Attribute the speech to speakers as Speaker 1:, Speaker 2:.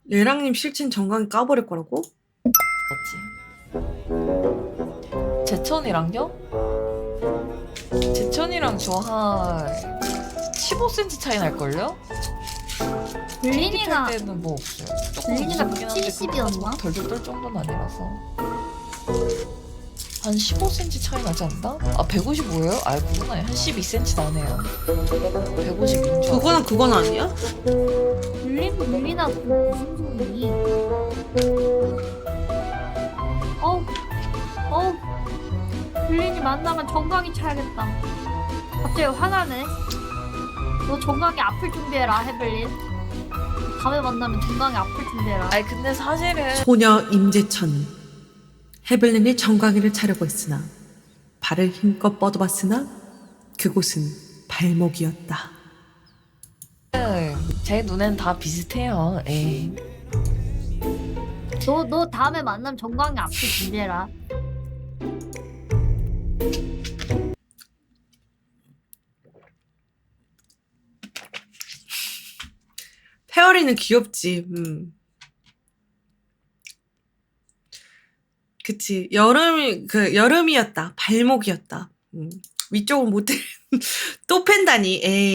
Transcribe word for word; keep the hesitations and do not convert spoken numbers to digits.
Speaker 1: 얘랑님 실친 정강이 까버릴 거라고?
Speaker 2: 맞지? 제천이랑요? 제천이랑 저 한 십오 센티미터 차이 날걸요?
Speaker 3: 블린이가
Speaker 2: 탈 때는 뭐 없어요. 조금
Speaker 3: 블린이가
Speaker 2: 무섭긴 한데
Speaker 3: 백칠십이었나?
Speaker 2: 덜덜 떨 정도는 아니라서 한 십오 센티미터 차이 나지 않나? 아 백오십오예요? 아 그건 아니 한 십이 센티미터 나네요. 백오십인 줄
Speaker 1: 그거는 그건 아니야?
Speaker 3: 블린 블린아 무슨 소리? 어우 어우 블린이 만나면 정강이 차야겠다. 갑자기 화나네. 너 정강이 아플 준비해라 헤블린. 다음에 만나면 정강이 아플 준비해라.
Speaker 2: 아니 근데 사실은
Speaker 1: 소녀 임재천. 헤블린이 정강이를 차려고 했으나 발을 힘껏 뻗어봤으나 그곳은 발목이었다.
Speaker 2: 제 눈엔 다 비슷해요. 에이.
Speaker 3: 너 너 다음에 만나면 정강이 아플 준비해라.
Speaker 1: 페어리는 귀엽지. 음. 그치. 여름이 그 여름이었다. 발목이었다. 음. 위쪽은 못 또 팬다니. 에이.